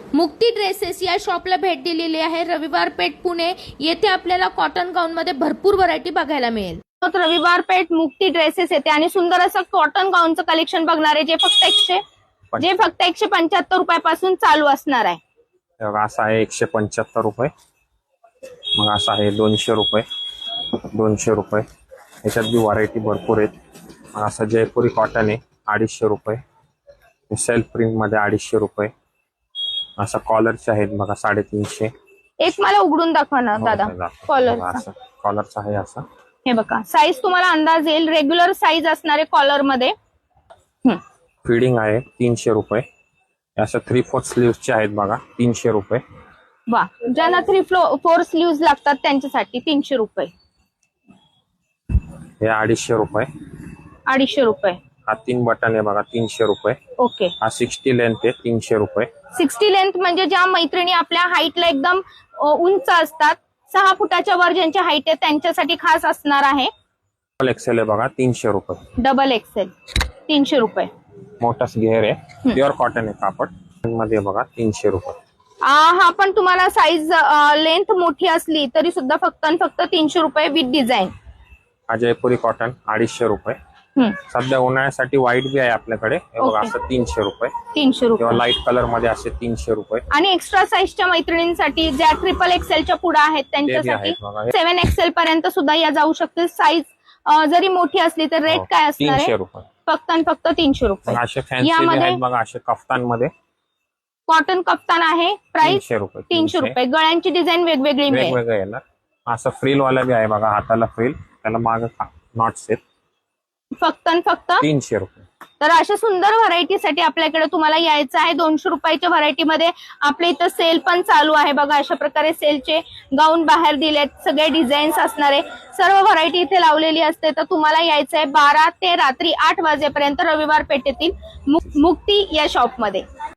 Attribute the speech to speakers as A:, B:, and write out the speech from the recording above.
A: मुक्ती ड्रेसेस या शॉपला भेट दिलेली आहे। रविवार पेठ पुणे येथे आपल्याला कॉटन गाऊन मध्ये भरपूर व्हरायटी बघायला मिळेल।
B: रविवार पेठ मुक्ती ड्रेसेस येते आणि सुंदर असं कॉटन गाऊनचं कलेक्शन बघणार आहे जे फक्त 175 रुपयापासून चालू असणार आहे।
C: असा आहे 175 रुपये, मग असा आहे 200 रुपये, 200 रुपये। याच्यात बी व्हरायटी भरपूर आहेत। मग असा जयपुरी कॉटन आहे 250 रुपये, सेल्फ प्रिंट मध्ये 250 रुपये। असा कॉलरचे आहेत बघा 350।
B: एक मला उघडून दाखवा ना दादा कॉलर।
C: कॉलरचा आहे असा,
B: हे बघा साईज तुम्हाला अंदाज येईल, रेग्युलर साईज असणारे कॉलर मध्ये।
C: फिडिंग आहे 300 रुपये। असं 3/4 स्लीव्हचे आहेत बघा 300 रुपये।
B: वा, ज्यांना 3/4 स्लीव्ह लागतात त्यांच्यासाठी 300 रुपये।
C: हे 250 रुपये,
B: 250 रुपये।
C: हा 3 बटन आहे बघा 300 रुपये।
B: ओके,
C: हा 60 लेंथ आहे 300 रुपये।
B: 60 लेंथ म्हणजे ज्या मैत्रिणी आपल्या हाईटला एकदम उंच असतात, 6 फुटाच्या वर ज्यांची हाईट आहे त्यांच्यासाठी खास असणार आहे।
C: डबल एक्सेल आहे बघा 300 रुपये।
B: डबल एक्सेल 300 रुपये।
C: मोठाच घेर आहे, प्युअर कॉटन आहे कापड मध्ये बघा 300 रुपये।
B: हा पण तुम्हाला साईज लेंथ मोठी असली तरी सुद्धा फक्त 300 रुपये विथ डिझाईन।
C: हा जयपुरी कॉटन 250 रुपये। सध्या उन्हाळ्यासाठी व्हाईट बी आहे आपल्याकडे, हे बघा असं 300 रुपये।
B: 300 रुपये
C: किंवा लाईट कलर मध्ये असे 300 रुपये।
B: आणि एक्स्ट्रा साईजच्या मैत्रिणींसाठी ज्या ट्रिपल एक्सेलच्या पुढे आहेत त्यांच्यासाठी 7 एक्सेल पर्यंत सुद्धा या जाऊ शकतील। साईज जरी मोठी असली तर रेट काय असणार आहे?
C: 300 रुपये
B: फक्त 300 रुपये।
C: असे फॅन्सी आहेत बघा, असे कफ्तान मध्ये
B: कॉटन कफ्तान आहे, प्राइस
C: 300 रुपये।
B: 300 रुपये। गळ्यांची डिझाईन वेगवेगळी मिळेल।
C: वेगवेगळं येणार। असं फ्रिल वाला बी आहे बघा, हाताला फ्रिल, त्याला माग नॉट्स आहेत,
B: फक्त
C: 300 रुपये।
B: तर अशा सुंदर व्हरायटीसाठी आपल्याकडे तुम्हाला यायचं आहे। 200 रुपयाच्या व्हरायटीमध्ये आपल्या इथं सेल पण चालू आहे बघा। अशा प्रकारे सेलचे गाऊन बाहेर दिलेत, सगळे डिझाईन्स असणारे सर्व व्हरायटी इथे लावलेली असते। तर तुम्हाला यायचं आहे 12 ते रात्री 8 वाजेपर्यंत रविवार पेठेतील मुक्ती या शॉपमध्ये।